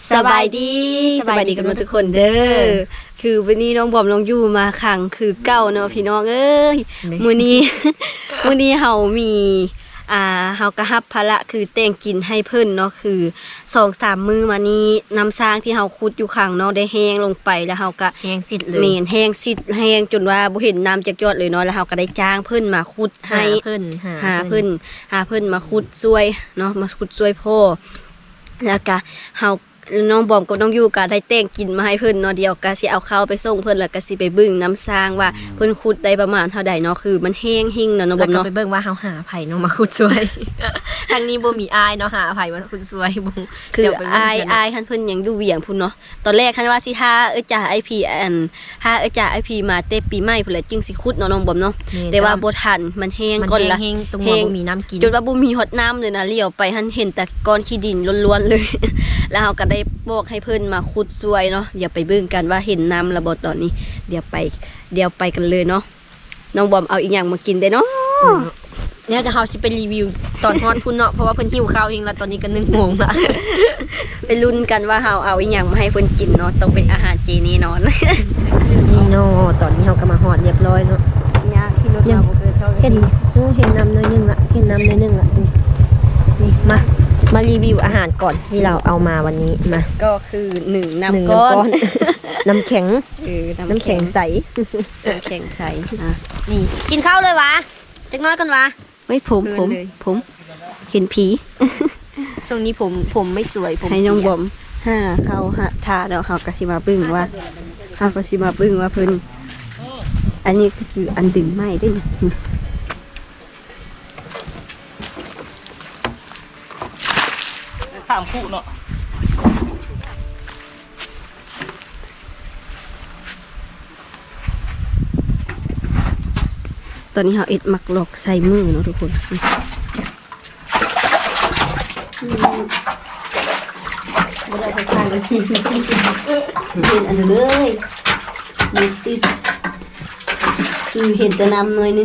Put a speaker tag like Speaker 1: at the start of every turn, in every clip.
Speaker 1: สบายดีกันทุกคนเด้อคือวันนี้น้องบอมน้องยู่มาขังคือเก้าเนาะพี่น้องเอ้ยมื้อนี้ เฮามีเฮาก็รับภาระคือแต่งกินให้เพิ่นเนาะคือ 2-3 มื้อมานี้น้ำสร้างที่เฮาขุดอยู่ข้างเนาะได้แห้งลงไปแล้วเฮาก็
Speaker 2: แห้งสิเลย
Speaker 1: เมนแห้งสิแห้งจนว่าบ่เห็นน้ำจักยอดเลยเนาะแล้วเฮาก็ได้จ้างเพิ่นมาขุดให้หาเพิ่นมาขุดช่วยเนาะมาขุดช่วยพ่อแล้วก็เฮาน้องบอมกับน้องยูก็ได้แต่งกินมาให้เพิ่นเนาะเดี๋ยวก็สิเอาข้าวไปส่งเพิ่นแล้วก็สิไปเบิ่งน้ำสร้างว่าเพิ่นขุดได้ประมาณเท่าใดเนาะคือมันแห้งหิ่งเนาะน้องบอมเนาะ
Speaker 2: ไปเบิ่งว่าเฮาหาไผเนาะมาขุดสวย ทางนี้บ่มีอายเนาะหาไผมาขุดสวยบ่
Speaker 1: คืออายคันเพิ่นยังอยู่เวียงพุ่นเนาะตอนแรกคันว่าสิหาจ่าไอพีหาจ่าไอพีมาแต่ปีใหม่พุ่นแหละจึงสิขุดเนาะน้องบอมเนาะแต่ว่าบ่ทันมันแห้งก่อนละ
Speaker 2: แห้งตรงบ่มีน้ำกิน
Speaker 1: จนว่าบ่มีฮอดน้ำเลยนะเลี้ยวไปหันเห็นแต่ก้อนขี้ดินล้วนๆเลย แล้วเฮาก็ได้บอกให้เพิ่นมาขุดสวยเนาะเดี๋ยวไปเบิ่งกันว่าเห็นน้ำระบ่ตอนนี้เดี๋ยวไปกันเลยเนาะน้องบอมเอาอีกอย่างมากินได้เนาะ
Speaker 2: เนี่ยจะเฮาสิไปรีวิวตอนฮอดพุ่นเนาะเพราะว่าเพิ่นหิวข้าวเองแล้วตอนนี้ก็1 โมงละ
Speaker 1: ไปลุ้นกันว่าเฮาเอาอีกอย่างมาให้เพิ่นกินเนาะต้องเป็นอาหารเจแน่นอน
Speaker 2: นี่เนาะตอนนี้เฮาก็มาฮอดเรียบร้อยเนาะ
Speaker 1: ยากที่รถเราบ่เคยเข้า
Speaker 2: เห็นน้ำน้อยนึงละเห็นน้ำน้อยนึงละนี่มารีวิวอาหารก่อนที่เราเอามาวันนี้มา
Speaker 1: ก็คือ1น้ำก้อน
Speaker 2: น้ำแข็งน้ำแข็งใส
Speaker 1: น้ำแข็งใส
Speaker 2: นี่กินข้าวเลยวะจักน้อยกันวะ
Speaker 1: เฮ้ยผมเห็นผี
Speaker 2: ช่วงนี้ผมไม่สวยผม
Speaker 1: ให้น้องบอมเข้าทาแล้วเฮาก็สิมาเบิ่งว่าเพิ่นอันนี้คืออันดึงไม้ได้นี่
Speaker 3: 3 คู่เนาะ
Speaker 1: ตอนนี้เราเอ็ดมักหลอกใส่มือเนาะทุกคนไม่ได้ไปทานกันทีเป็นอันเลยมีติดคือเห็นแต่น้ำน้อยนึง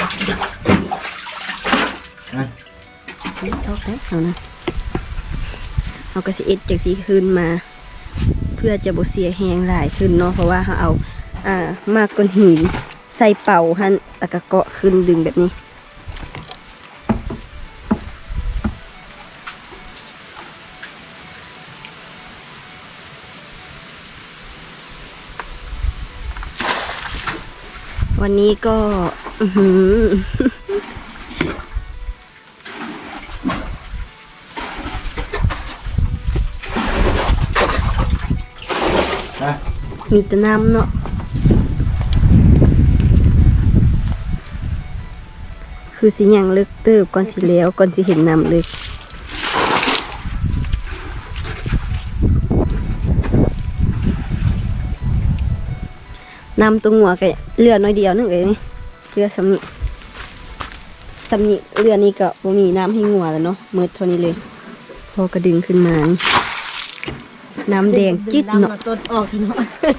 Speaker 1: เอาแค่เอานะเอากระสีเอ็ดจากสีขึ้นมา เพื่อจะบ่เสียแหงหลายขึ้นเนาะเพราะว่าเขาเอามากก้อนหินใส่เป่าหันแล้วก็เกาะขึ้นดึงแบบนี้วันนี้ก็มีแต่น้ำเนาะคือสิยังเลิกเติบก่อนสิแล้วก่อนสิเห็นน้ำเลยน้ำตรงหัวก็เรือน้อยเดียวนึงเลยนี่เรือสำนีเรือนี้ก็บ่มีน้ำให้งัวแล้วเนาะมืดเท่านี้เลยพอกระดึงขึ้นมานี่น้ำแดงจิ๊ดเนาะ
Speaker 2: ต้นออกเนาะ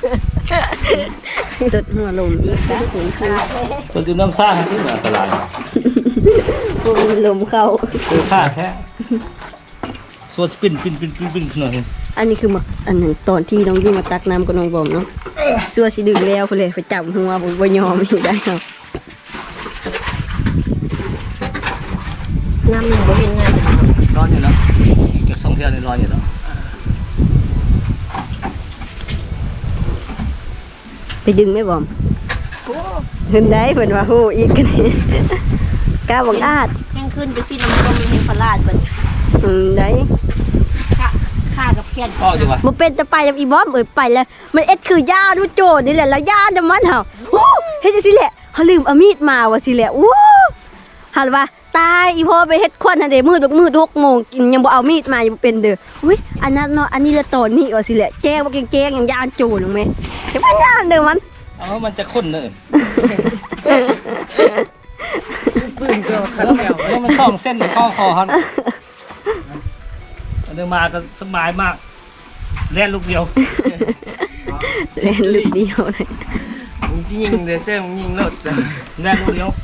Speaker 1: ตดหัวลมอีกนะเห็นค่ะ
Speaker 3: ตัวดื่มน้ำซ่าที่อันตราย
Speaker 1: พวกมีลมเข้า
Speaker 3: คือค่าแท้ส่วนปิ้นหน่อย
Speaker 1: อันนี้คืออันหนึ่งตอนที่น้องยู่มาตักน้ำกับน้องบอมเนาะซัวสิดึงแล้วไปเลยไปจับหัวบ่ยอมอีกได้เนาะ
Speaker 2: น้ำมันบ่เห็นงาน
Speaker 3: ร้อนอยู่แล้วจาก2 เที่ยวนี่ร้อนอยู่แล้ว
Speaker 1: ไปดึงไหมบอมเห็นได้เพิ่นว่าโหอีกกันนี่กล้าบอกอาด
Speaker 2: แห้งขึ้นไปสิน้ำต้มเห็นพลาดเบิ่ง
Speaker 1: ได้
Speaker 2: ค่ากับเพี้ยน
Speaker 3: ก็จังหวะ
Speaker 1: บ่เป็นตะไปกับอีบอมไปแล้วมันเอ็ดคือยาดูโจดนี่แหละแล้วยาน่ะมันเฮาโอ้เฮ็ดจังซี่แหละเฮาลืมเอามีดมาว่าสิแหละโอ้หันว่าตายอีพ่อไปเฮ็ดควันหั่นเด้มืด6 โมงกินยังบ่เอามีดมายังบ่เป็นเด้ออุ้ยอันนั้นเนาะอันนี้ละตอนนี้ว่าสิแหละแจ้งบ่แจ้งยังยานโจรนึงแม่เฮ็ดมันยานเด้อมัน
Speaker 3: มันจะข้นเนอะ
Speaker 2: ปืนก็คันแมว
Speaker 3: แล้วมัน2 เส้นข้อคอครับเดินมาก็สบายมากแล่นลูกเดียว
Speaker 1: เล่นลูกเดียวเลย
Speaker 3: มึงจะยิงเดเซ่มึงยิงเลิศแล่นลูกเดียว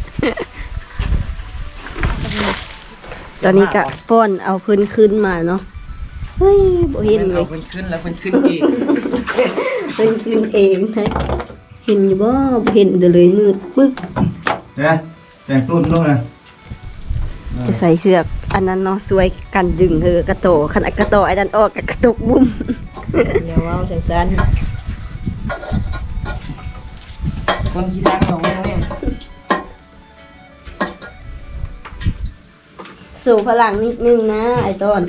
Speaker 1: ตอนนี้ก็ป้อนเอาพื้นขึ้นมาเนาะเฮ้ยบ่เห็นเลย
Speaker 3: เพิ่นขึ้นแล้วเพิ่นขึ้นอีก
Speaker 1: เพิ่นขึ้นเองนะเห็นอยู่บ่บ่เห็นเด้อเลยมืดปึ๊ก
Speaker 3: เนี่ยแต่งตุ้นลงนะ
Speaker 1: จะใส่เสื้ออันนั้นเนาะสวยกันดึงกระโตขนาดกระโตไอ้นั่นออกกับกระตกบุ้ม
Speaker 2: เดี๋ยวเว้าจังซั่น
Speaker 3: คนขี้ดังของแม่
Speaker 1: สู่พลังนิดนึงนะไอ้ต้น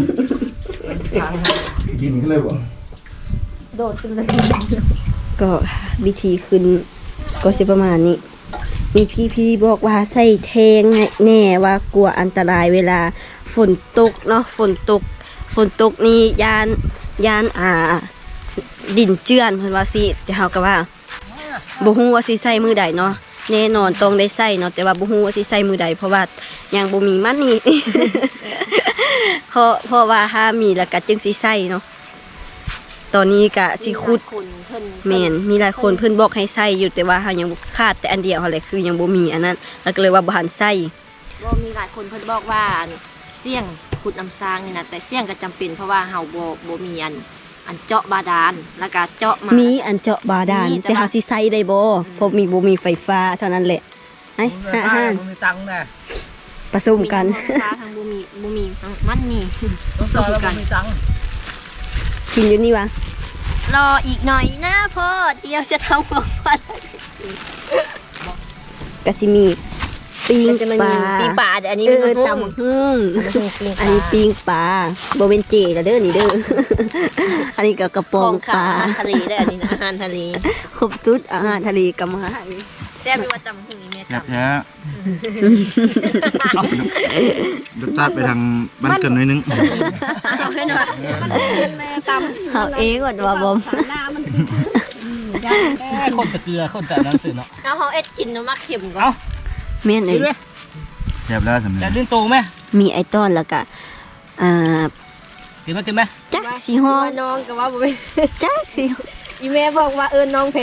Speaker 3: กินกันเลยบ่
Speaker 1: โดดขึ้นเลยก็วิธีขึ้นก็สิประมาณนี้ มีพี่บอกว่าใส่แทงแน่ว่ากลัวอันตรายเวลาฝนตกเนาะฝนตกนี่ยานดินเจือนเพิ่นว่าสิแต่เฮาก็ว่าบ่ฮู้ว่าสิใส่มือใดเนาะแน่นอนต้องได้ใส่เนาะแต่ว่าบ่ฮู้ว่าสิใส่มือใดเพราะว่ายังบ่มีมันนี่ เพราะว่าถ้ามีแล้วก็จึงสิใส่เนาะตอนนี้ก็สิขุด
Speaker 2: คุณเพิ่น
Speaker 1: แม่นมีหลายคนเพิ่นบอกให้ใส่อยู่แต่ว่าเฮายังขาดแต่อันเดียวเฮาเลยคือยังบ่มีอันนั้นแล้วก็เลยว่าบ่ทันใส่
Speaker 2: บ่มีหลายคนเพิ่นบอกว่าเสี่ยงขุดน้ำซางนี่นะแต่เสี่ยงก็จำเป็นเพราะว่าเฮาบ่มีอันเจาะบาดาลแล้วก็เจาะมา
Speaker 1: มีอันเจาะบาดาล
Speaker 2: มีแต่
Speaker 1: แต่เฮาสิใส่ได้บ่เพราะบ่มีไฟฟ้าเท่านั้นแหละไอ้
Speaker 3: บ่มีตังค์นะ
Speaker 1: ผสมกัน
Speaker 2: มีทั้งฟ้าทั้งบ่มีทั้งมันมี
Speaker 3: ต้องซอยแล้วบ่มีตังค์
Speaker 1: กินอยู่นี่วะ
Speaker 2: รออีกหน่อยนะพ่อเที่ยวจะทำของฟัน
Speaker 1: ก็สิมีปิ้ง
Speaker 2: จะมัน
Speaker 1: ป
Speaker 2: มี
Speaker 1: ลา
Speaker 2: ปีปลาแต่อันนี้
Speaker 1: เอ
Speaker 2: มัน
Speaker 1: อ
Speaker 2: ตำ
Speaker 1: ตำฮึ่ง
Speaker 2: อั
Speaker 1: อั
Speaker 2: น
Speaker 1: น
Speaker 2: นี้
Speaker 1: นี้ปิ้งปลาบ่เป็นเจแล้วเด้อนี่เด้อ อันนี้ก็กระป๋
Speaker 2: ข
Speaker 1: อ
Speaker 2: อง ง
Speaker 1: ปลา
Speaker 2: อาหารทะเลได้อันนี้นะอาหารทะเล
Speaker 1: ครบสุดอาหารทะเลกับอาหาร
Speaker 2: แซ่บไม่ว่าตำหุ่งนี่แม่
Speaker 3: แซ่บ
Speaker 2: ตำ
Speaker 3: แท้รสชาติไปทางบ้านเกินหน่อยนึง
Speaker 2: เอาให้หน่อยแม่ตำ
Speaker 1: เฮาเองก่อนว่าบ่
Speaker 2: หน้ามัน
Speaker 3: คนตะเกียคนแต่นั้นสิเนาะ
Speaker 2: เอาเขาเอ็ดกินน้ำมักเข็มก่อน
Speaker 3: เอ้า
Speaker 1: แม่นเอ้
Speaker 3: กินไหม
Speaker 1: ย
Speaker 3: แซ่บแล้วสำเร็จจะดิ้นโตไหม
Speaker 1: มีไอ้ต้อนแล้วก็า
Speaker 3: กินไหม
Speaker 1: จักสีห้อง
Speaker 2: น้องก็ว่าบ่เป็น
Speaker 1: จักสี
Speaker 2: อีแม่บอกว่าน้องเพ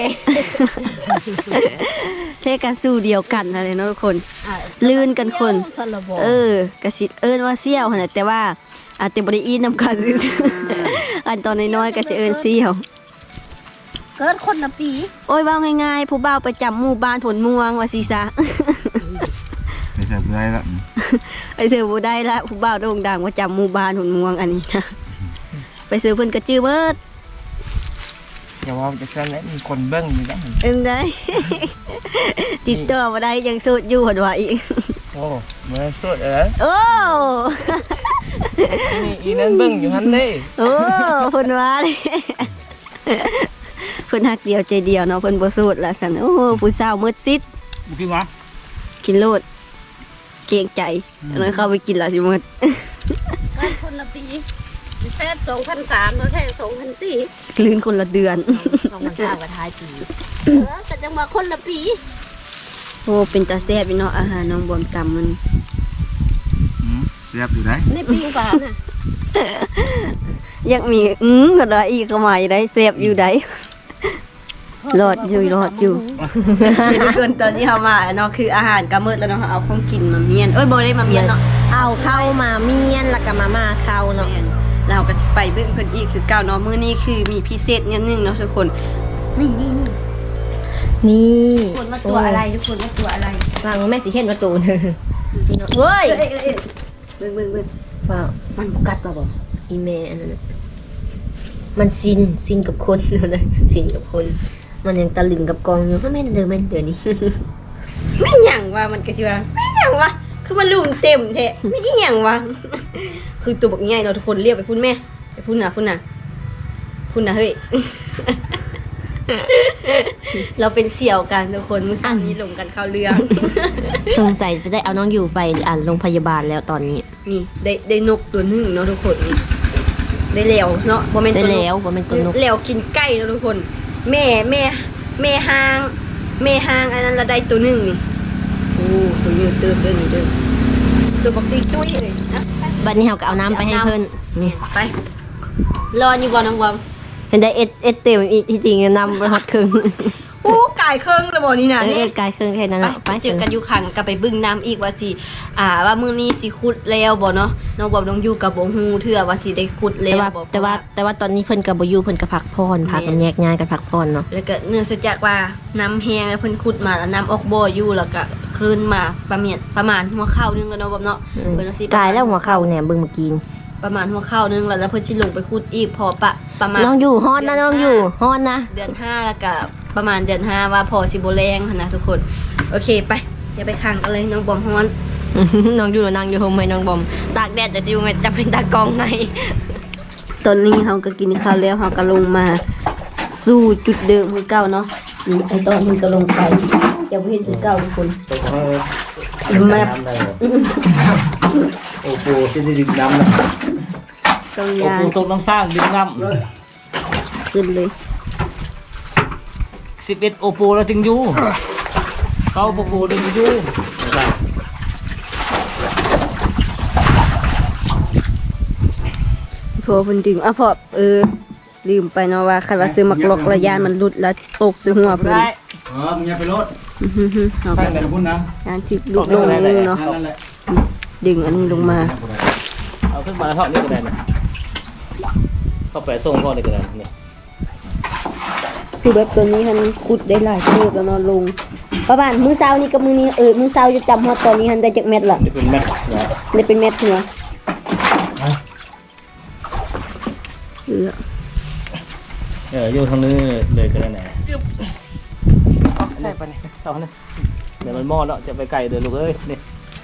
Speaker 1: เทกันสู้เดียวกันอะไรเนาะทุกคน ลื่นกันคน
Speaker 2: สลับ
Speaker 1: กะสิเอิ้นว่าเซี่ยวหั่นน่ะแต่ว่าอาจจะบ่ได้อินนำกันซื่อๆอันตอนน้อยๆก็สิเอิ้นเซี่ยว
Speaker 2: เกิดคนละปี
Speaker 1: โอ้ยว่าง่ายๆผู้บ่าวประจำหมู่บ้านผลม่วงว่าสิซะ
Speaker 3: ไม่แซ่บเลยละ
Speaker 1: ไปซื้อบ่ได้ละผู้บ่าวโด่งดังประจำหมู่บ้านผลม่วงอันนี้นะไปซื้อเพิ่นก็จื้อเบิด
Speaker 3: อย่าว่าจะแซ่บเลยมีคนเบิ้งอยู่แล้ว
Speaker 1: เอิ้นได้ ติดต่อบ่ได้ยังโสดอยู่หั่นว่าอีก
Speaker 3: โอ้เมื่อสุด
Speaker 1: โอ้
Speaker 3: นี่อีนั้นเบิ้งอยู่ฮันเด้
Speaker 1: โอ้เพิ่นว่าเลยเพิ่นฮักเดียวใจเดียวเนาะเพิ่นบ่โสดละซั่นโอ้ผู้สาวมืดซิด
Speaker 3: กินวะ
Speaker 1: กินโลดเกรงใจแล้วเข้าไปกินละสิหมด
Speaker 2: คนละปีแค่2,300แล้วแค่2,400
Speaker 1: คลื่นคนละเดือน
Speaker 2: 2,300กับท้ายปีแต่จังว่าคนละปี
Speaker 1: โอ้เป็นตาแซ่บอยู่เนาะอาหารน้องบอมตำมัน
Speaker 3: แซ่บอยู่ได้
Speaker 2: ในปีปลาน่ะ
Speaker 1: อยากมีก็ได้อีกก็มาอยู่ได้แซ่บอยู่ได้รอดอยู่ทุกคนตอนนี้เฮามาเนาะคืออาหารก็มืดแล้วเนาะเอาของกินมาเมียนเอ้ยบ่ได้มาเมียนเนาะ
Speaker 2: เอาเข้ามาเมียนแล้วก็มาเข้าเนาะ
Speaker 1: เมียนแล้วเราก็สิไปเบิ่งเพิ่นอีกคือเก่าเนาะมื้อนี้คือมีพิเศษนิดนึงเนาะทุกคนนี่
Speaker 2: นี่
Speaker 1: ทุกคนว่าตัวอะไรทุกคนว่าตัวอะไร
Speaker 2: ฟังแม่สิเห็นว่าตูนนี่เนาะ
Speaker 1: เว้ยเบิ่ง
Speaker 2: ว่า
Speaker 1: มันบ่กัดบ่บ่
Speaker 2: อีเมอันนั้นน่ะมันซินกับคนเลยซินกับคน มันยังตะลึงกับกองอยู่แม่นเดือนนี้
Speaker 1: ไม่หยังว่ามันก็สิว่าไม่หยังว่าคือมันลุมเต็มแท้ไม่หยังว่าคือตัวบักใหญ่เนาะทุกคนเรียกไปพุ่นแม่ไปพุ่นน่ะเฮ้ย เราเป็นเสี่ยวกันทุกคนมื้อเช้านี้ลงกันเข้าเรื่อง
Speaker 2: สงสัยจะได้เอาน้องอยู่ไปโรงพยาบาลแล้วตอนนี้
Speaker 1: นี่ได้นกตัวหนึงเนาะทุกคนนี่ได้แล้วเนาะบ่แม่น
Speaker 2: ได้
Speaker 1: ตัวนก
Speaker 2: แล้วว่าเป็นตัวนก
Speaker 1: แล้วกินไก่เนาะทุกคน แม่หางอันนั้นละได้ตัวหนึงนี่โอ้ตัวเยอะเติบเด้อนี่เด้อตัวบักตุ้ยตุ้ยเลยนะ
Speaker 2: บัดนี้เราก็เอาน้ำไปให้เพิ่นนี่
Speaker 1: ไปรออยู่บ่น้องบอม
Speaker 2: เห็นได้เอ็ดเต็มอีกที่จริงนำไปฮอดครึ่ง
Speaker 1: โโอ้กายเครื่องเลยบ่นี่น่ะนี่
Speaker 2: กายเครื่องแค่นั้น
Speaker 1: ไป
Speaker 2: เนาะไป
Speaker 1: เจอกันอยู่ขังก็ไปบึ้งน้ำอีกว่าสิว่ามื้อนี้สิขุดแล้วบ่เนาะน้องบอมน้องอยู่กับบ่ฮู้เทื่อว่าสิได้ขุดแล้วบ่
Speaker 2: แต่ว่าตอนนี้เพิ่นก็บ่อยู่เพิ่นก็พักผ่อนพากันแยกย้ายกันพักผ่อนเนาะ
Speaker 1: แล้วก็เนื่องจากว่าน้ำแห้งแล้วเพิ่นขุดมาแล้วน้ำออกบ่ออยู่แล้วก็คลื่นมาประมาณหัวเข่านึงแล้วเนาะบอมเนาะเพิ่นว่าสิ
Speaker 2: กายแล้วหัวเข่าเนี่ยเบิ่งเมื่อกี้
Speaker 1: ประมาณหัวเข่านึงแล้วเพิ่นสิลงไปขุดอีกพอประมาณ
Speaker 2: น้องอยู่ฮอนนะน้องอยู่ฮอนนะ
Speaker 1: เดือน5แล้วก็ประมาณเดือน5ว่าพอสิบ่แรงหั่นนะทุกคนโอเคไปอย่าไปขังกันเลยน้องบอมฮ้อน
Speaker 2: น้องอยู่นั่งอยู่โฮมให้น้องบอมตากแดดแต่สิว่าจะเป็นตากล้องใน
Speaker 1: ตอนนี้เราก็กินข้าวแล้วเราก็ลงมาสู่จุดเดิมคือเก่าเนาะไอตอนมันก็ลงไปจะบ่เห็นคือเก่าทุกคน
Speaker 3: ตกให้
Speaker 1: แมพ
Speaker 3: น้ำได้เหรอโอ้โหจะได้ดื่มน้ำนะ
Speaker 1: ต้อง
Speaker 3: โอ้
Speaker 1: ยา
Speaker 3: โหตกน้ำสร้างดื่มน้
Speaker 1: ขึ้นเลย
Speaker 3: ำ11โอโปแล้วจึงอยู่เขาโอโปดึงอยู่นะครับ
Speaker 1: พอเพิ่นดึงพอลืมไปเนาะว่าคันว่าซื้อมักลอกระยานมันหลุดแล้วตกใส่หัวเพิ่น
Speaker 3: ได้มึงอย่าไปรถ
Speaker 1: เอา
Speaker 3: ไป
Speaker 1: ไป
Speaker 3: แต่พุ่นนะ
Speaker 1: ยานที่ลุกลงนึงเนาะ
Speaker 3: นั่นแหละ
Speaker 1: ดึงอันนี้ลงมา
Speaker 3: เอาขึ้นมาเท่านี้ก็ได้นะเข้าไปส่งพ่อเลยก็ได้นี่
Speaker 1: คือแบบตัวนี้มันขุดได้หลายเติบแล้วเนาะลงประมาณมื้อเช้านี้กับมื้อนี้มื้อเช้าจะจำฮอดตอนนี้หันได้จักเม็ดละ
Speaker 3: นี่เป็นแม็กนะ
Speaker 1: ได้เป็นเม็ดหัว
Speaker 3: อยู่ทางนี้เลยก็ได้ไหน
Speaker 4: ใช่ปะเนี่ย
Speaker 3: เอาเนี่ยเดี๋ยวมันมอดแล้วจะไปไกลเดินลูกเอ้ยนี่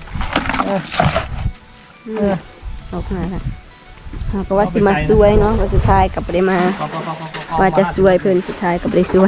Speaker 1: ออกมาละเราก็ว่าสิมาช่วยเนาะว่าสุดท้ายกลับบ่ได้มา ว่าจะช่วยเพิ่นสุดท้ายก็บ่ได้ช่วย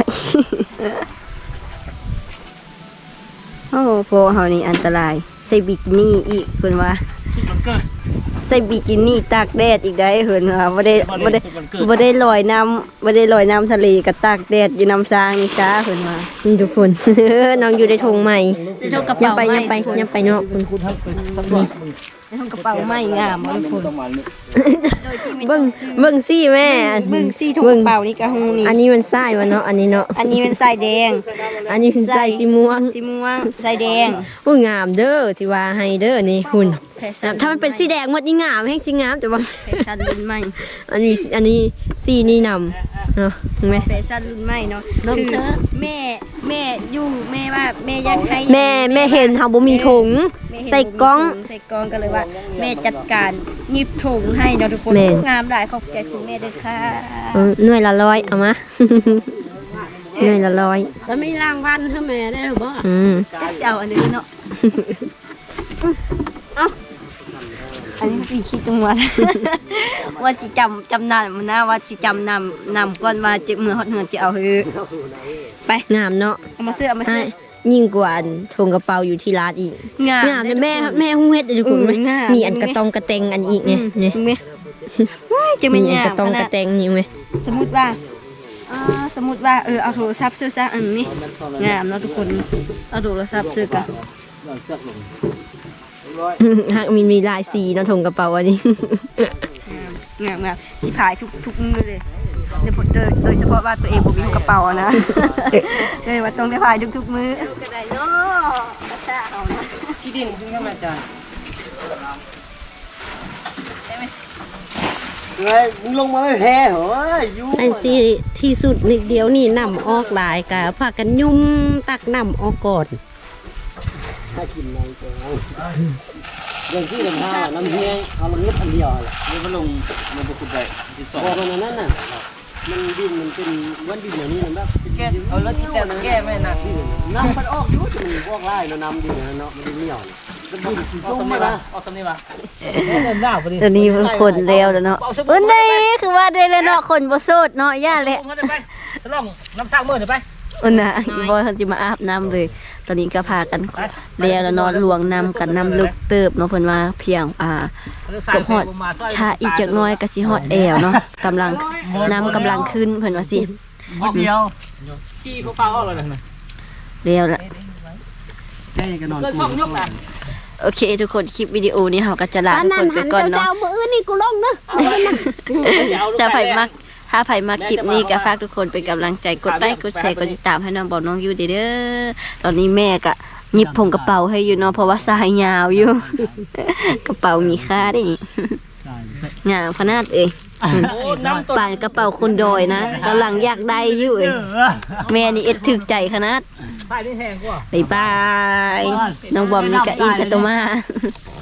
Speaker 1: โอ้โหเฮานี่อันตรายใส่บิกินี่อีกเพิ่นว่า
Speaker 3: สุดมันเกิด
Speaker 1: ใส่บิกินี่ตากแดดอีกได้เพิ่นว่าบ่ได้
Speaker 3: บ่ได้ลอยน้ำ
Speaker 1: บ่ได้ลอยน้ำทะเลก็ตากแดดอยู่น้ำซางนี่จ้าเพิ่นว่า
Speaker 2: นี่ทุกคน น้องอยู่ในธงใหม่
Speaker 1: ในธงกระ
Speaker 2: ยั
Speaker 1: เป๋าง
Speaker 2: ไป
Speaker 1: ใหม่
Speaker 2: ยังไปยังไปเนาะคุณ
Speaker 3: คุณทั้งเป็นสักหน่อย
Speaker 1: ในธงกระเป๋าใหม่งามทุกคน
Speaker 3: ประมาณนี้
Speaker 2: เบิ่งซี่แม่
Speaker 1: เบิ่งซี่ถุงกระเป๋านี่ก็ฮู้นี่
Speaker 2: อันนี้มันทรายวะเนาะอันนี้เนาะ
Speaker 1: อันนี้เป็นสายแดง
Speaker 2: อันนี้เป็นทรายสีม่วง
Speaker 1: สีม่วงสายแดง
Speaker 2: โอ้ยงามเด้อสิว่าให้เด้อนี่คุณถ้ามันเป็นสีแดงหมดนี่งามแห้งสีงามแต่ว่า
Speaker 1: แฟชั่นรุ่นใหม่
Speaker 2: อันนี้สีนี่นำเนาะเห็นไหม
Speaker 1: แฟชั่นรุ่นใหม่เนาะ
Speaker 2: น้อง
Speaker 1: คือ
Speaker 2: เชอ
Speaker 1: แม่อยู่แม่ว่าแม่อยากให้
Speaker 2: แม่เห็นเฮาบ่มีถุง
Speaker 1: แม่เห็น
Speaker 2: ใส่กล้อง
Speaker 1: ใส่กล้องก็เลยว่า แม่จัดการหยิบถุงให้เนาะทุกคน
Speaker 2: แม่
Speaker 1: งามหลายขอบใจคุณแม่ด้วยค่ะ
Speaker 2: หน่วยละ100เอามา หน่วยละ100
Speaker 4: แล้วมีรางวัลให้แม่ได้หรือเปล่า
Speaker 1: จักจะเอาอันนี้เนาะเอ้าอันนี้ปีคิดจังหวัด ว่าจิจำนำมันนะว่าจิจำนำก่อนว่าจะมือฮอดเหือนจะเอาคือไป
Speaker 2: งามเนาะ
Speaker 1: เอามาซื้อเอามาซื้อ
Speaker 2: ยิ่งกว่าถุงกระเป๋าอยู่ที่ร้านอีก
Speaker 1: งาม
Speaker 2: งามแม่ฮู้เฮ็ดอยู่คุณไหม
Speaker 1: งาม
Speaker 2: มีอันกระตองกระเตงอันอีกเนี่ยนี่
Speaker 1: เห็นไหมว้ายจะ
Speaker 2: มี
Speaker 1: เป็น
Speaker 2: อัน
Speaker 1: งาก ม
Speaker 2: ระตอง
Speaker 1: ข
Speaker 2: ก
Speaker 1: นา
Speaker 2: ระ
Speaker 1: ด
Speaker 2: เตงนี่ไหม
Speaker 1: สมมติว่าเอาโทรศัพท์ซื้อซะอันนี้งามเนาะทุกคนเอาโทรศัพท์ซื้อกัน
Speaker 3: หลังจากลง
Speaker 2: หากมีลายสีเนาะถุงกระเป๋าอันนี้
Speaker 1: งามสิพายทุกมือเลยโดยเฉพาะว่าตัวเองบ่มีกระเป๋าอะนะ เลยว่าต้องได้พายทุกมือก็ได้เนาะกระชากเอานะ
Speaker 4: ที่ดินซึ่งก็มาจากเฮ้ยมึงลงมาไม่แพ้เหรอยุ่ง
Speaker 5: ไอ้สิที่สุดนิดเดียวนี่นำออกหลายกะพากันยุ่มตักนำออกก่อน
Speaker 4: ถ้ากินน้ำแกงเรื่องที่เป็นท่าน้ำเฮียเอาลงนิดอันเดียวแหละ
Speaker 3: นี่มันลงมันบุกได้12
Speaker 4: พอมันนั่นน่ะมันดินมันเป็นวันดินอย่างนี้นะแบบ
Speaker 3: แก้เอาแล้วที่แต่มันแก้ไม่หนัก
Speaker 4: น้ำมันออกอยู่แต่มันพวกไร่เนาะน้ำดินเนาะมันดินเหนียวมันดินสี
Speaker 3: เอา
Speaker 4: ส้ม
Speaker 3: ตรง
Speaker 4: มา
Speaker 3: นี้
Speaker 4: ละ
Speaker 3: มาเอาตรงนี้มาเล่นหน้าพอดี
Speaker 1: ตอนนี้มันคนแล้วเนาะนี่คือว่าได้แล้วเนาะคนบ่โสดเนาะย่าแหละ
Speaker 3: ไปสลองน้ำสร้างมือเดี๋ยวไป
Speaker 1: น่ะอีบ่ทันสิมาอาบน้ำเลย ตอนนี้ก็พากันแล้วเนาะลวงน้ำกันน้ำลึกเติบเนาะเพิ่นว่าเพียงกับฮอดถ้าอีกจักหน้อยก็สิฮอดแอวเนาะกำลังน้ำกำลังขึ้นเพิ่นว่าสิ
Speaker 3: เดียวขี้เขาเปล่าออกเลยนะ
Speaker 1: แล้วละ
Speaker 4: แค่กันนอน
Speaker 3: เลิกช่องยกนะ
Speaker 1: โอเค ทุกคนคลิปวิดีโอนี้เราก็จะลาทุกคนไปก่อนเนาะ
Speaker 5: เจ้ามืออื่นนี่กูลงเนาะ
Speaker 1: ถ้าไผถ้าใครมาคลิปนี้ก็ฝากทุกคนเป็นกำลังใจกดไลค์กดแชร์กดติดตามให้น้องบอกน้องอยู่เด้อตอนนี้แม่ก็หยิบผงกระเป๋าให้อยู่เนาะเพราะว่าสายยาวอยู่ กระเป๋ามีค่าได้นี่งามขนาดเอ้ยป่านกระเป๋าคนดอยนะกำลังอยากได้อยู่เอ้ยแม่นี่เอ็ดถึกใจขนาด
Speaker 3: ป้ายนี่แพงกว่า
Speaker 1: บ๊ายบาย น้องบอมนี่ก็อินกับตัวมา